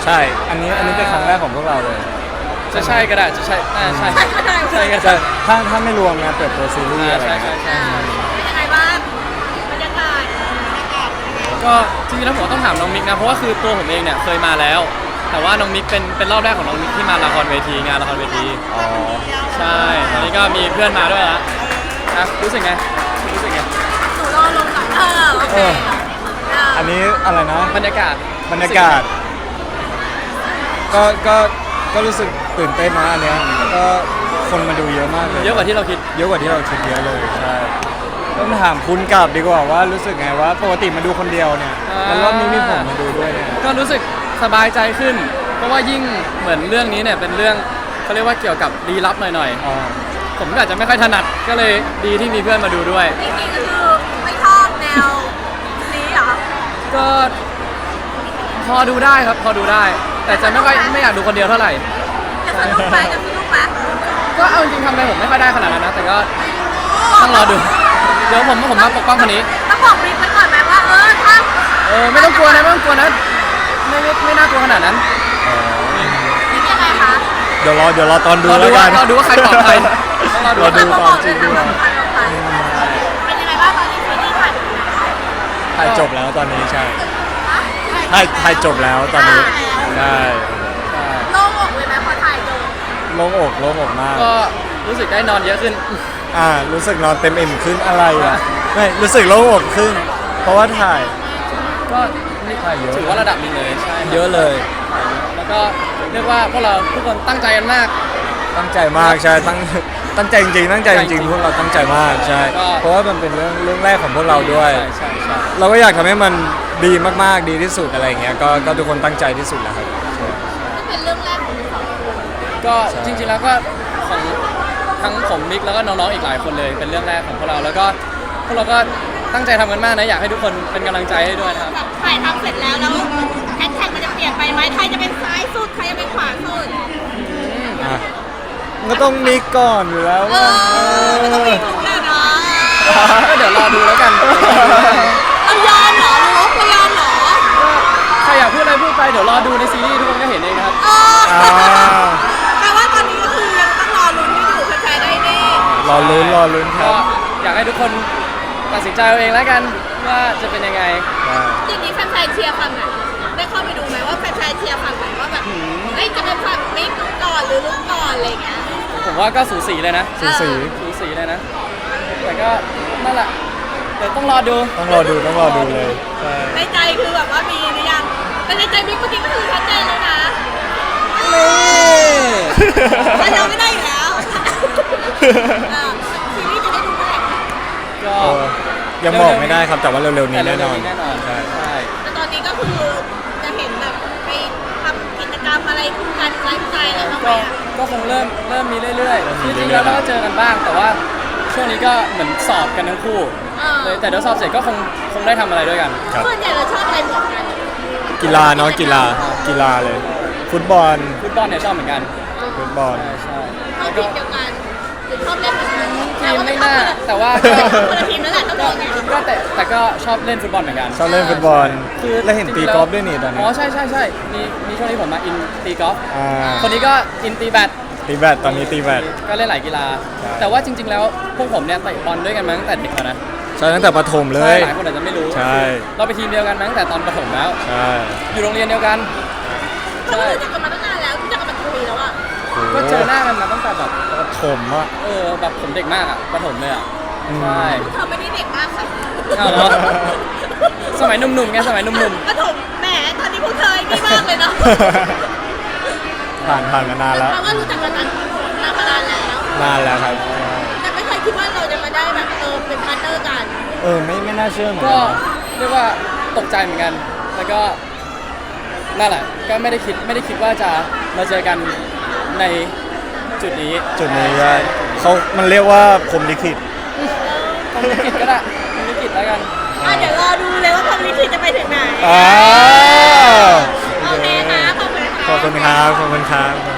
ใช่ อันนี้เป็นครั้งแรกของพวกเราเลยจะใช่ก็ได้จะใช่ใช่ใช่ก็จะได้ถ้าไม่รวมงานเปิดตัวซีรีส์อะไรใช่เงี้ยใช่เป็นยังไงบ้างบรรยากาศก็จริงๆแล้วผมต้องถามน้องมิกนะเพราะว่าคือตัวผมเองเนี่ยเคยมาแล้ว แต่ว่าน้องมิกเป็นรอบแรกของน้องมิกที่มาละครเวทีงานละครเวทีอ๋อใช่ตอนนี้ก็มีเพื่อนมาด้วยละนะรู้สึกไงรู้สึกไงหนูรอลงก่อนโอเคอันนี้อะไรนะบรรยากาศบรรยากาศ ก็รู้สึกตื่นเต้นนะอันเนี้ยก็คนมาดูเยอะมากเลยเยอะกว่าที่เราคิดเยอะกว่าที่เราคิดเยอะเลยใช่ต้องถามคุณกลับดีกว่าว่ารู้สึกไงว่าปกติมาดูคนเดียวเนี่ยแล้วรอบนี้มีผมมาดูด้วยเนี่ยก็รู้สึกสบายใจขึ้น เพราะว่ายิ่งเหมือนเรื่องนี้เนี่ยเป็นเรื่องเขาเรียกว่าเกี่ยวกับลี้ลับหน่อยอ๋อๆผมก็อาจจะไม่ค่อยถนัดก็เลยดีที่มีเพื่อนมาดูด้วยจริงๆก็คือไม่ชอบแนวนี้เหรอก็พอดูได้ครับพอดูได้ แต่จะไม่อยากดูคนเดียวเท่าไหร่จะสนุกไหมจะสนุกไหมก็เอาจริงๆทำอะไรผมไม่ค่อยได้ขนาดนั้นนะ แต่ก็ต้องรอดู เดี๋ยวผมมาปกป้องคนนี้ต้องบอกบิ๊กไปก่อนไหมว่าถ้าไม่ต้องกลัวนะไม่ต้องกลัวนะไม่น่ากลัวขนาดนั้นบิ๊กยังไงคะเดี๋ยวรอตอนดูรอแล้วกันดูว่าใครปลอดภัยต้องรอดูรอดูตอนจริงด้วยเป็นยังไงบ้างตอนนี้ซีรีส์ถ่ายถ่ายจบแล้วตอนนี้ใช่ถ่ายจบแล้วตอนนี้ใช่โล่งอกเลยไหมพอถ่ายจบโล่งอกมากก็รู้สึกได้นอนเยอะขึ้นรู้สึกนอนเต็มอิ่มขึ้นอะไรอ่ะไม่รู้สึกโล่งอกขึ้น เพราะว่าถ่ายก็ถ่ายเยอะถือว่าระดับหนึงเลยใช่ครับเยอะเลยแล้วก็เรียกว่าพวกเราทุกคนตั้งใจกันมากตั้งใจมากใช่ตั้งใจจริงๆตั้งใจจริงๆพวกเราตั้งใจมากใช่ก็เพราะว่ามันเป็นเรื่องแรกของพวกเราด้วยใช่เราก็อยากทำให้มันดีมากๆดีที่สุดอะไรอย่างเงี้ยก็ทุกคนตั้งใจที่สุดแล้วครับนี่เป็นเรื่องแรกของสองคนก็จริงๆแล้วก็ของทั้งผมมิกแล้วก็น้องๆอีกหลายคนเลยเป็นเรื่องแรกของพวกเราแล้วก็พวกเราก็ตั้งใจทำกันมากนะอยากให้ทุกคนเป็นกำลังใจให้ด้วยนะครับแบบถ่ายทำเสร็จแล้วแฮชแท็กมันจะเปลี่ยนไปไหมใครจะเป็นซ้ายสุดใครจะเป็นขวาสุดอ่ะมันก็ต้องมีก่อนอยู่แล้วมันต้องมีถูกแน่นอนก็เดี๋ยวรอดูแล้วกันเอายอมเหรอรู้เขายอมเหรอใครอยากพูดอะไรพูดไปเดี๋ยวรอดูในซีรีส์ทุกคนก็เห็นเองนะครับอ่าแปลว่าตอนนี้ก็คือยังต้องรอลุ้นกันอยู่แฟนๆได้แน่รอลุ้นคก็รับอยากให้ทุกคนตัดสินใจเอาเองแล้วกันว่าจะเป็นยังไงจริงๆแฟนๆเชียร์ฝั่งไหนได้เข้าไปดูไหมว่าแฟนๆเชียร์ฝั่งไหนว่าแบบเฮ้ยจะเป็นฝั่งมิกก่อนหรือลุกก่อนอะไรอย่างเงี้ยผมว่าก็สูสีเลยนะสูสีสูสีเลยนะ แต่ก็นั่นแหละเดี๋ยวต้องรอดูต้องรอดูเลยใช่ในใจคือแบบว่ามีหรือยังแต่ในใจมิกเมื่อกี้ก็คือชัดเจนแล้วนะนี่แต่เราไม่ได้อยู่แล้วซีรีส์จะได้ดูเมื่อไหร่ก็เออยังบอกไม่ได้ครับแต่ว่าเร็วๆนี้แน่นอนแน่นอนใช่ใช่แต่ตอนนี้ก็คือจะเห็นแบบไปทำกิจกรรมอะไรคู่กันไลฟ์สไตล์อะไรบ้างไหมก็อะก็คงเริ่มมีเรื่อยๆคือจริงๆแล้วเราก็เจอกันบ้าง แต่ว่าช่วงนี้ก็เหมือนสอบกันทั้งคู่เลยแต่เดี๋ยวสอบเสร็จก็คงได้ทำอะไรด้วยกันครับส่วนใหญ่เราชอบอะไรเหมือนกันกีฬาเนาะกีฬาเลย ฟุตบอลฟุตบอลเนี่ยชอบเหมือนกันฟุตบอลใช่ชอบทีมเดียวกันหรือชอบเล่นเหมือนกันทีมไม่น่าแต่ว่าคนละทีมนั่นแหละต้องบอกไงก็แต่ก็ชอบเล่นฟุตบอลเหมือนกันชอบเล่นฟุตบอลคือแล้วเห็นตีกอล์ฟด้วยนี่ตอนนี้อ๋อใช่มีช่วงนี้ผมมาอินตีกอล์ฟอ่าคนนี้ก็อินตีแบดตีแบดตอนนี้ตีแบดก็เล่นหลายกีฬาใช่แต่ว่าจริง ๆ แล้วพวกผมเนี่ยเตะบอลด้วยกันมาตั้งแต่เด็กแล้วนะใช่ตั้งแต่ประถมเลใช่ยหลายคนอาจจะไม่รู้ใช่เราไปทีมเดียวกันมาตั้งแต่ตอนประถมแล้วใช่อยู่โรงเรียนเดียวกันเรารู้จักกันมาตั้งนานแล้วรู้จักกันมากี่ปีแล้วอ่ะก็เจอหน้ากันมาตั้งแต่แบบประถมอ่ะแบบผมเด็กมากอะประถมเลยอะอืมใช่เธอไม่ได้เด็กมากค่ะอ้าวเหรอ สมัยหนุ่มๆไงสมัยหนุ่มประถมแหมตอนนี้พวกเธอนี่มากเลยเนาะผ่านมานานแล้วเพราะว่ารู้จักกันมานานแล้วนานแล้วครับแต่ไม่เคยคิดว่าเราจะมาได้แบบเป็นพาร์ทเนอร์กันไม่น่าเชื่อเหมือนๆกัก็นนะเรียกว่าตกใจเหมือนกัน แล้วก็นั่นแหละก็ไม่ได้คิดว่าจะมาเจอกันในจุดนี้จุดนี้ก็มันเรียกว่าพรหมลิขิตผมลิขิตก็ได้ผมลิขิตแล้วกันเดี๋ยวรอดูเลยว่าพรหมลิขิตจะไปถึงไหนอ่าโอเคค่ะขอบคุณค่ะขอบคุณครับ